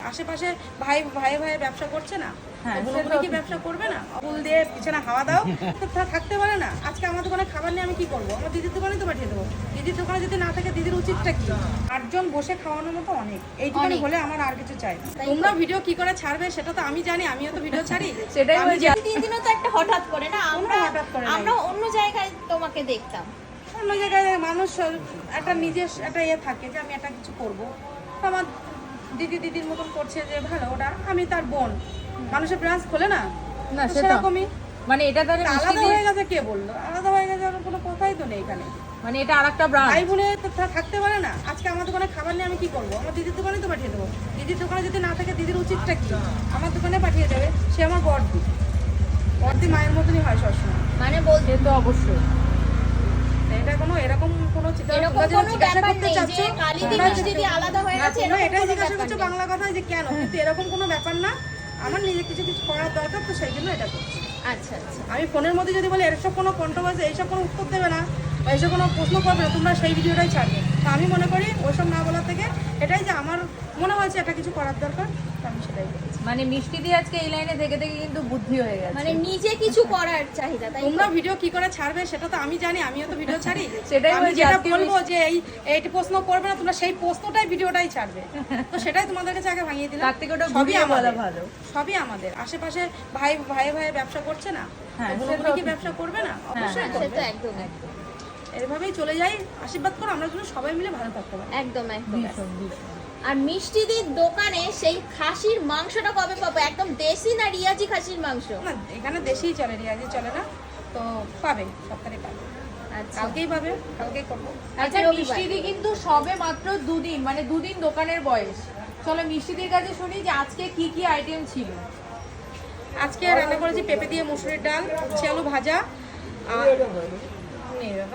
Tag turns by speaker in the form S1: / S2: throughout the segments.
S1: আশেপাশে ভাই ভাই ভাই ব্যবসা করছে না,
S2: হ্যাঁ,
S1: বোনগুলো কি ব্যবসা করবে না? ফুল দিয়ে পিছনে হাওয়া দাও তো থাকতে পারে না। আজকে আমার দোকানে খাবার নিয়ে আমি কি করবো? আমার দিদির দোকানে তো পাঠিয়ে দেবো। দিদির দোকানে যদি না থাকে দিদির উচিতটা কি? 8 জন বসে খাওয়ানোর মতো অনেক, এইটুখানি হলে আমার আর কিছু চাই না। তোমরা ভিডিও কি করে ছাড়বে সেটা তো আমি জানি, আমিও তো ভিডিও ছাড়ি।
S2: সেটাই
S1: আমি
S2: বলছি।
S3: দিনও তো একটা হঠাৎ করে না,
S1: হঠাৎ করে নাই।
S3: আমরা অন্য জায়গায় তোমাকে দেখতাম।
S1: অন্য জায়গায় মানুষ একটা নিজের একটা ইয়ে থাকে যে আমি একটা কিছু করবো। আমার দিদির মতন করছে যে ভালো, ওটা আমি তার বোন। মানুষের ব্রাঞ্চ খোলে না,
S2: না
S1: তো
S2: সেটা
S1: সেরকমই
S2: মানে এটা তাহলে
S1: আলাদা হয়ে গেছে। কে বললো আলাদা হয়ে গেছে? আর কোনো কথাই তো নেই এখানে।
S2: মানে এটা আরেকটা ব্রাঞ্চ।
S1: ভাই বোনে তো থাকতে পারে না। আজকে আমার দোকানে খাবার নিয়ে আমি কি করবো? আমার দিদির দোকানে তো পাঠিয়ে দেবো। দিদির দোকানে যদি না থাকে দিদির উচিতটা কি? আমার দোকানে পাঠিয়ে দেবে। সে আমার বড়দি, বড়দি মায়ের মতনই হয় সবসময়।
S3: মানে বলতে
S2: সে তো অবশ্যই।
S1: এটা কোনো এরকম কোনো
S3: এরকম কোনো ব্যাপার নেই যে কালিদি মিষ্টিদি আলাদা হয়ে গেছে,
S1: তোমরা
S3: এরকম
S1: এটাই
S3: কোনো
S1: জিজ্ঞাসা
S3: ব্যাপার
S1: করছো
S3: নেই।
S1: বাংলা কথায় যে কেন, কিন্তু এরকম কোনো ব্যাপার না। আমার নিজে কিছু কিছু করার দরকার, তো সেই জন্য এটা করছি।
S3: আচ্ছা আচ্ছা,
S1: আমি ফোনের মধ্যে যদি বলি এসব কোনো কন্ট্রোভার্সি, এইসব কোনো উত্তর দেবে না বা এইসব কোনো প্রশ্ন করবে না, তোমরা সেই ভিডিওটাই ছাড়বে। তো আমি মনে করি ওইসব না বলার থেকে এটাই যে আমার মনে হয়েছে একটা কিছু করার দরকার, তো আমি সেটাই করেছি।
S2: মানে মিষ্টি দিয়ে আজকে এই লাইনে থেকে থেকে কিন্তু বুদ্ধি হয়ে গেছে।
S3: মানে নিজে কিছু করার চাহিদা, তাই তো?
S1: তোমরা ভিডিও কি করে ছাড়বে সেটা তো আমি জানি, আমিও তো ভিডিও ছাড়ি।
S2: সেটাই
S1: আমি
S2: বলছি,
S1: যেটা
S2: আজকে
S1: বলবো যে এই প্রশ্ন করবে না, তোমরা সেই প্রশ্নটাই ভিডিওটাই ছাড়বে। তো সেটাই তোমাদের কাছে আগে ভাঙিয়ে দিলাম।
S2: তার থেকে ওটা
S1: সবই
S2: ঘুরিয়ে বলা
S1: আমাদের,
S2: ভালো।
S1: সবই আমাদের। আশেপাশে ভাই ভাই ভাই ব্যবসা করছে না,
S2: হ্যাঁ,
S1: বোনগুলো
S2: সেটাও
S1: কি
S2: ঠিক।
S1: ব্যবসা করবে না? অবশ্যই
S3: সে
S1: করবে।
S3: তো একদম একদম
S1: এভাবেই চলে যাই। আশীর্বাদ করো আমরা যেন সবাই মিলে ভালো থাকতে পারি।
S3: একদম একদম।
S2: ভীষণ ভীষণ।
S3: আর মিষ্টিদির দোকানে সেই খাসির মাংসটা কবে পাবো? একদম দেশি না রিয়াজি খাসির মাংস?
S1: না এখানে দেশেই চলে, রিয়াজি চলে না। তো পাবে, সপ্তাহে পাবে,
S3: আচ্ছা,
S1: কালকেই পাবে, কালকেই করবো।
S2: আচ্ছা
S3: রবিবার।
S2: মিষ্টিদি কিন্তু সবে মাত্র দুদিন, মানে দুদিন দোকানের বয়স। চলো মিষ্টিদির কাছে শুনি যে আজকে কি কি আইটেম ছিল।
S1: আজকে রান্না করেছি পেঁপে দিয়ে মুসুরির ডাল, উচ্ছে আলু ভাজা, আর নেই বাবা,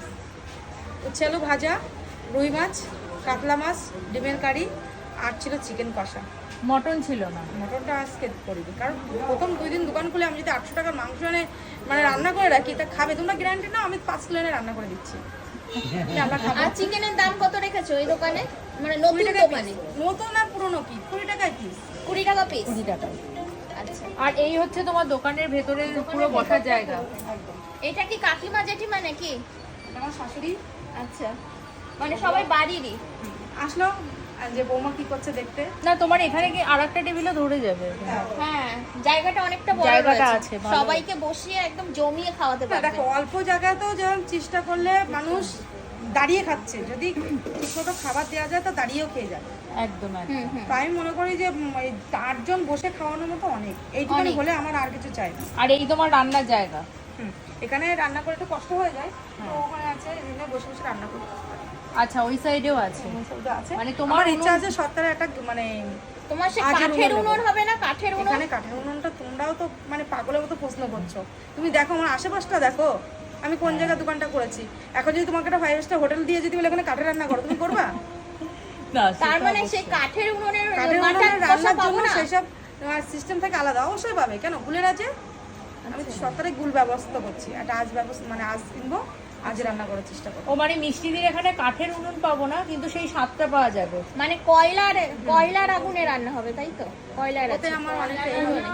S1: উচ্ছে আলু ভাজা, রুই মাছ, কাতলা মাছ, ডিমের কারি, আর ছিল চিকেন কষা।
S2: মটন ছিল না।
S1: মটনটা আজকে করিনি, কারণ প্রথম 2 দিন দোকান খুলে আমি যদি 800 টাকার মাংস এনে মানে রান্না করে রাখি, তা খাবে তোমরা গ্যারান্টি না? আমি 5 কিলো এনে রান্না করে দিচ্ছি, যে আমরা খাবো।
S3: আর চিকেনের দাম কত রেখেছো এই দোকানে? মানে
S1: 20
S3: নতুন
S1: টাকা
S3: দোকানে
S1: piece। নতুন আর পুরনো কি 20 টাকায় পিস।
S3: 20 টাকা পিস।
S2: 20 টাকায়।
S3: আচ্ছা,
S2: আর এই হচ্ছে তোমার দোকানের ভেতরে পুরো বসার জায়গা।
S1: একদম।
S3: এটা কি কাকিমা জেঠিমা নাকি?
S1: এটা আমার শাশুড়ি।
S3: আচ্ছা, মানে সবাই বাড়িরই।
S1: আসলো যে বৌমা কি করছে দেখতে।
S2: না তোমার এখানে কি আরেকটা টেবিলও ধরে যাবে?
S3: হ্যাঁ, জায়গাটা অনেকটা বড়
S2: জায়গাটা
S3: রয়েছে।
S2: আছে, ভালো।
S3: সবাইকে বসিয়ে একদম জমিয়ে খাওয়াতে
S1: না,
S3: পারবে।
S1: দেখো অল্প জায়গাতেও যেমন চেষ্টা করলে মানুষ দাঁড়িয়ে খাচ্ছে, যদি ঠিকমতো খাবার দেওয়া যায় তো দাঁড়িয়েও খেয়ে যাবে।
S2: একদম একদম।
S3: হুম হুম।
S1: তো আমি মনে করি যে 8 জন বসে খাওয়ানোর মতো অনেক, এইটুখানি
S3: অনেক।
S1: হলে আমার আর কিছু চাই না।
S2: আর এই তোমার রান্নার জায়গা।
S1: এখানে রান্না করে একটু কষ্ট হয়ে যায়, তো ওখানে আছে এখানে বসে বসে রান্না করতে পারি।
S2: আচ্ছা ওই সাইডেও আছে।
S1: আছে
S2: মানে
S1: মানে
S2: তোমার
S1: তোমার ইচ্ছা
S2: উনুন-
S1: আছে সত্তরে একটা মানে
S3: তোমার সে
S1: আজের
S3: কাঠের
S1: উনুন
S3: উনুন
S1: নেবো।
S3: হবে না? কাঠের উনুন?
S1: এখানে কাঠের উনুনটা তোমরাও তো মানে পাগলের মতো প্রশ্ন করছো। তুমি দেখো আমার আশেপাশটা দেখো, আমি কোন জায়গায় দোকানটা করেছি। এখন যদি তোমাকে একটা 5 স্টার হোটেল দিয়ে যদি বলে এখানে কাঠে রান্না করো, তুমি করবা?
S2: না,
S3: তার
S2: সেটা
S3: মানে
S2: অবশ্যই।
S3: সেই কাঠের উনুনের
S1: কাঠের
S3: মাথার
S1: উনুনে
S3: কষা
S1: রান্নার
S3: পাবো
S1: জন্য
S3: না?
S1: সেসব সিস্টেম থেকে আলাদা অবশ্যই পাবে। কেন গুলের আছে, আমি সরকারে গুল ব্যবস্থা করছি, একটা আজ ব্যবস্থা মানে আজ কিনবো, আজ রান্না করার চেষ্টা করবো।
S2: ও মানে মিষ্টিদির এখানে কাঠের উনুন পাবো না, কিন্তু সেই স্বাদটা পাওয়া যাবে।
S3: মানে কয়লার আগুনে রান্না হবে, তাই তো? কয়লার
S1: ওতে
S3: আছে,
S1: আমার অনেকটা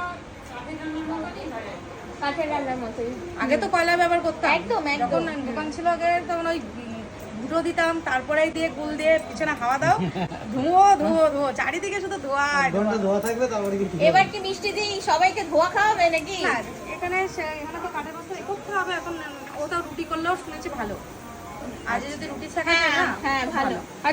S3: কাঠের রান্নার মতোই।
S1: আগে তো কয়লা ব্যবহার করতাম,
S3: একদম, একদম।
S1: যখন দোকান ছিল আগে তখন ওই গুঁড়ো দিতাম, তারপরে দিয়ে গুল দিয়ে পিছনে হাওয়া দাও, ধুয়ো ধুয়ো ধুয়ো, চারিদিকে শুধু ধোঁয়ায় ধোঁয়া।
S4: ধোয়া থাকবে তারপরে কি
S3: এবার কি মিষ্টি দিয়ে সবাইকে ধোয়া খাওয়াবে নাকি?
S1: না, এখানে এখানে তো কাঠের বস্তু করতে হবে। এখন ওটাও রুটি করলেও শুনেছি ভালো, আজ যদি রুটি থাকে
S3: হ্যাঁ
S1: না
S3: হ্যাঁ, ভালো।